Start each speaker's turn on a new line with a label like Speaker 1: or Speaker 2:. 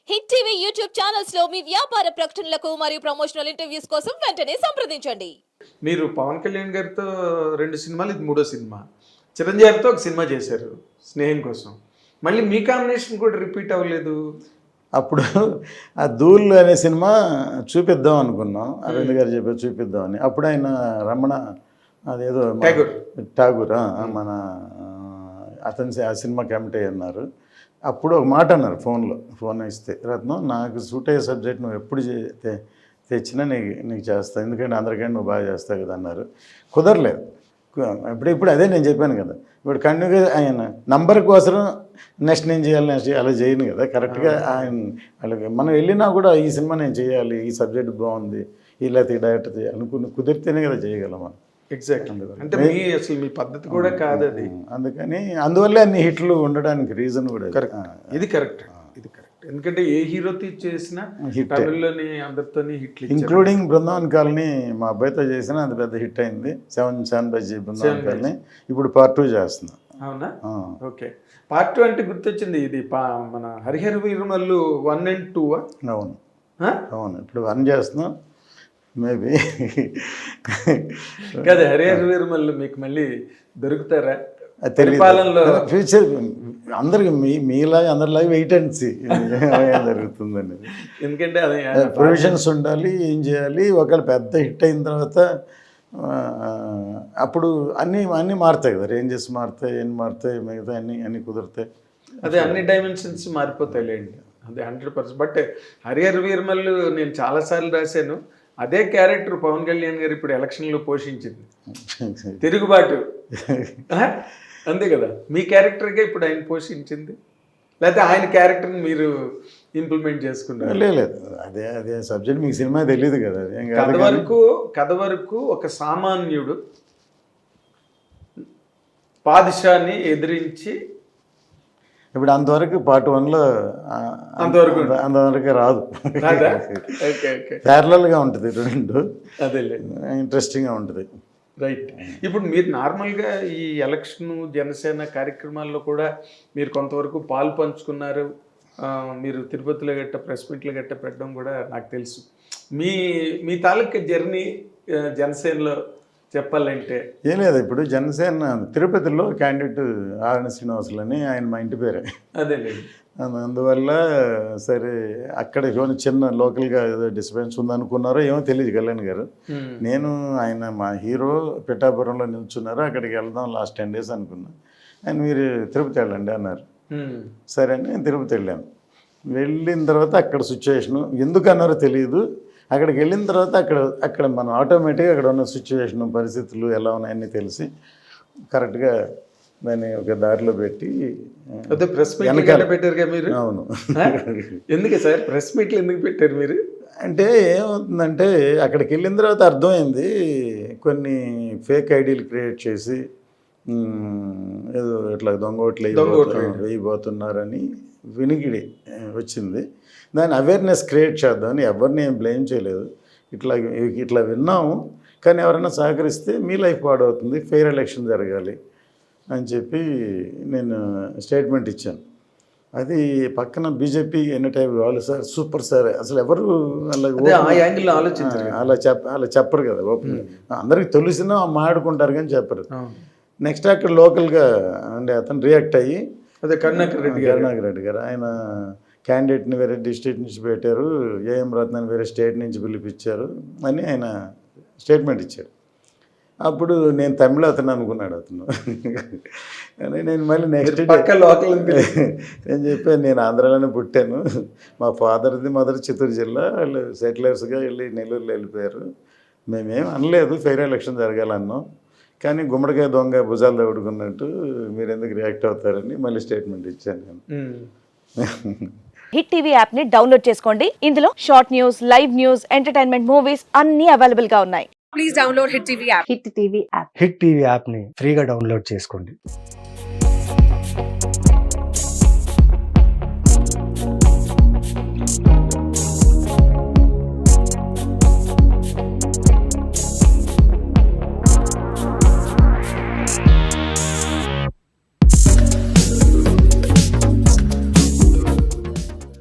Speaker 1: Hit TV YouTube channels లో మీ వ్యాపార ప్రకటనలకు మరియు ప్రమోషనల్ ఇంటర్వ్యూస్ కోసం వెంటనే సంప్రదించండి.
Speaker 2: మీరు పవన్ కళ్యాణ్ గారితో 2 సినిమాలు, ఇది 3వ సినిమా. చిరంజీవితో ఒక సినిమా చేశారు స్నేహం కోసం. మళ్ళీ మీ కాంబినేషన్ కూడా రిపీట్ అవ్వలేదు.
Speaker 3: అప్పుడు ఆ ధూళ్ అనే సినిమా చూపిద్దాం అనుకున్నాం, అరవింద్ గారు చెప్పారు చూపిద్దామని. అప్పుడు ఆయన రమణ అదేదో ఠాగూర్ మన అతని ఆ సినిమా కమిటీ అన్నారు. అప్పుడు ఒక మాట అన్నారు ఫోన్ ఇస్తే, రత్నం నాకు సూట్ అయ్యే సబ్జెక్ట్ నువ్వు ఎప్పుడు తెచ్చినా నీకు చేస్తా, ఎందుకంటే అందరికంటే నువ్వు బాగా చేస్తావు కదా అన్నారు. కుదరలేదు. ఇప్పుడు అదే నేను చెప్పాను కదా, ఇప్పుడు కంటిన్యూగా ఆయన నంబర్ కోసం నెక్స్ట్ నేను చేయాలి అలా చేయను కదా. కరెక్ట్గా ఆయన వాళ్ళకి మనం వెళ్ళినా కూడా ఈ సినిమా నేను చేయాలి, ఈ సబ్జెక్ట్ బాగుంది, ఇలా డైరెక్టర్ చేయాలి అనుకుని కుదిరితేనే కదా చేయగలం మనం.
Speaker 2: ఎగ్జాక్ట్. అంటే అసలు మీ పద్ధతి కూడా కాదు అది.
Speaker 3: అందుకని అందువల్లే అన్ని హిట్లు ఉండడానికి రీజన్ కూడా
Speaker 2: ఇది కరెక్ట్. ఎందుకంటే ఏ హీరో చేసినా తమిళ్లోని అందరితోని హిట్లు,
Speaker 3: ఇంక్లూడింగ్ బృందావన్ కాలనీ మా అబ్బాయితో చేసిన అది పెద్ద హిట్ అయింది. 7 బజ్జీ బృందావన్ కాలనీ ఇప్పుడు పార్ట్ 2 చేస్తున్నాం.
Speaker 2: అవునా? ఓకే. పార్ట్ 2 అంటే గుర్తొచ్చింది, ఇది మన హరిహర వీరమల్లు 1 and 2.
Speaker 3: అవును, ఇప్పుడు 1 చేస్తున్నాం. మేబీ
Speaker 2: కదా హరిహర వీరమల్లు మీకు మళ్ళీ దొరుకుతారా పరిపాలనలో?
Speaker 3: ఫ్యూచర్ అందరికి మీలాగా అందరిలాగా వెయిట్ అండ్ సీ జరుగుతుందని.
Speaker 2: ఎందుకంటే అదే
Speaker 3: ప్రొవిజన్స్ ఉండాలి, ఏం చేయాలి. ఒకవేళ పెద్ద హిట్ అయిన తర్వాత అప్పుడు అన్నీ మారుతాయి కదా, రేంజెస్ మారుతాయి, ఎన్ని మారుతాయి, మిగతా అన్నీ కుదురుతాయి.
Speaker 2: అదే అన్ని డైమెన్షన్స్ మారిపోతాయి లేండి, అదే 100%. బట్ హరిహర వీరమల్లు నేను చాలాసార్లు రాశాను, అదే క్యారెక్టర్ పవన్ కళ్యాణ్ గారు ఇప్పుడు ఎలక్షన్లో పోషించింది, తిరుగుబాటు. అంతే కదా, మీ క్యారెక్టర్గా ఇప్పుడు ఆయన పోషించింది, లేకపోతే ఆయన క్యారెక్టర్ని మీరు ఇంప్లిమెంట్ చేసుకున్నారు?
Speaker 3: లేదు, అదే సబ్జెక్ట్ మీకు సినిమా తెలియదు కదా.
Speaker 2: కథ వరకు ఒక సామాన్యుడు పాదిషాన్ని ఎదిరించి, ఇప్పుడు
Speaker 3: అంతవరకు పార్ట్ 1లో అంతవరకు రాదు. ప్యారలల్గా ఉంటుంది, 2
Speaker 2: అదే
Speaker 3: ఇంట్రెస్టింగ్గా ఉంటుంది.
Speaker 2: రైట్. ఇప్పుడు మీరు నార్మల్గా ఈ ఎలక్షన్ జనసేన కార్యక్రమాల్లో కూడా మీరు కొంతవరకు పాలు పంచుకున్నారు. మీరు తిరుపతిలో గట్ట ప్రెస్ మీట్లు గట్ట పెట్టడం కూడా నాకు తెలుసు. మీ తాలూకా జర్నీ జనసేనలో చెప్పాలంటే
Speaker 3: ఏం లేదు. ఇప్పుడు జనసేన తిరుపతిలో క్యాండిడేట్ ఆర్ఎన్ శ్రీనివాసులు అని ఆయన మా ఇంటి పేరే.
Speaker 2: అదేలేదు.
Speaker 3: అందువల్ల సరే అక్కడ చిన్న లోకల్గా ఏదో డిస్టర్బెన్స్ ఉందనుకున్నారో ఏమో తెలియదు కళ్యాణ్ గారు. నేను ఆయన మా హీరో పిఠాపురంలో నిల్చున్నారు, అక్కడికి వెళ్దాం లాస్ట్ 10 days అనుకున్నా. ఆయన మీరు తిరుపతి వెళ్ళండి అన్నారు. సరే అని నేను తిరుపతి వెళ్ళాను. వెళ్ళిన తర్వాత అక్కడ సిచ్యువేషను ఎందుకు అన్నారో తెలియదు. అక్కడికి వెళ్ళిన తర్వాత అక్కడ మనం ఆటోమేటిక్గా అక్కడ ఉన్న సిచ్యువేషను, పరిస్థితులు ఎలా ఉన్నాయని తెలిసి కరెక్ట్గా దాన్ని ఒక దారిలో పెట్టి
Speaker 2: ప్రెస్ మీట్ పెట్టారు మీరు.
Speaker 3: అవును.
Speaker 2: ఎందుకు సార్ ప్రెస్ మీట్లు ఎందుకు పెట్టారు మీరు?
Speaker 3: అంటే ఏమవుతుందంటే అక్కడికి వెళ్ళిన తర్వాత అర్థమైంది, కొన్ని ఫేక్ ఐడీలు క్రియేట్ చేసి ఏదో ఇట్లా దొంగోట్లు వేయబోతున్నారని వినికిడి వచ్చింది. దాని అవేర్నెస్ క్రియేట్ చేద్దామని ఎవరిని ఏం బ్లేమ్ చేయలేదు. ఇట్లా విన్నాము, కానీ ఎవరైనా సహకరిస్తే మీ లైఫ్ పాడవుతుంది, ఫెయిర్ ఎలక్షన్ జరగాలి అని చెప్పి నేను స్టేట్మెంట్ ఇచ్చాను. అది పక్కన బీజేపీ ఎన్ని టైప్ వాళ్ళు సార్ సూపర్ సార్ అసలు ఎవరు అలా చెప్పరు కదా. అందరికి తెలిసినా మాట్లాడుకుంటారు కానీ చెప్పరు. నెక్స్ట్ అక్కడ లోకల్గా అంటే అతను రియాక్ట్ అయ్యి,
Speaker 2: అదే
Speaker 3: కరుణాకర్ రెడ్డి గారు ఆయన క్యాండిడేట్ని వేరే డిస్ట్రిక్ట్ నుంచి పెట్టారు, ఏఎం రత్నాన్ని వేరే స్టేట్ నుంచి పిలిపించారు అని ఆయన స్టేట్మెంట్ ఇచ్చాడు. అప్పుడు నేను తమిళ అతను అనుకున్నాడు అతను. కానీ నేను మళ్ళీ నెక్స్ట్
Speaker 2: లోకల్
Speaker 3: నేను చెప్పాను, నేను ఆంధ్రాలోనే పుట్టాను, మా ఫాదర్ది మదర్ చిత్తూరు జిల్లా, వాళ్ళు సెటిలర్స్గా వెళ్ళి నెల్లూరులో వెళ్ళిపోయారు, మేమేం అనలేదు ఫెయిర్ ఎలక్షన్ జరగాలన్నాం, కానీ గుమ్మడికాయ దొంగ భుజాలు దౌడుకున్నట్టు మీరు ఎందుకు రియాక్ట్ అవుతారని మళ్ళీ స్టేట్మెంట్ ఇచ్చాను నేను.
Speaker 1: హిట్ టీవీ యాప్ ని డౌన్లోడ్ చేసుకోండి. ఇందులో short news, live news, entertainment movies అన్ని అవైలబుల్ గా ఉన్నాయి. Please download hit TV app.
Speaker 4: Hit TV app ని ఫ్రీగా డౌన్లోడ్ చేసుకోండి.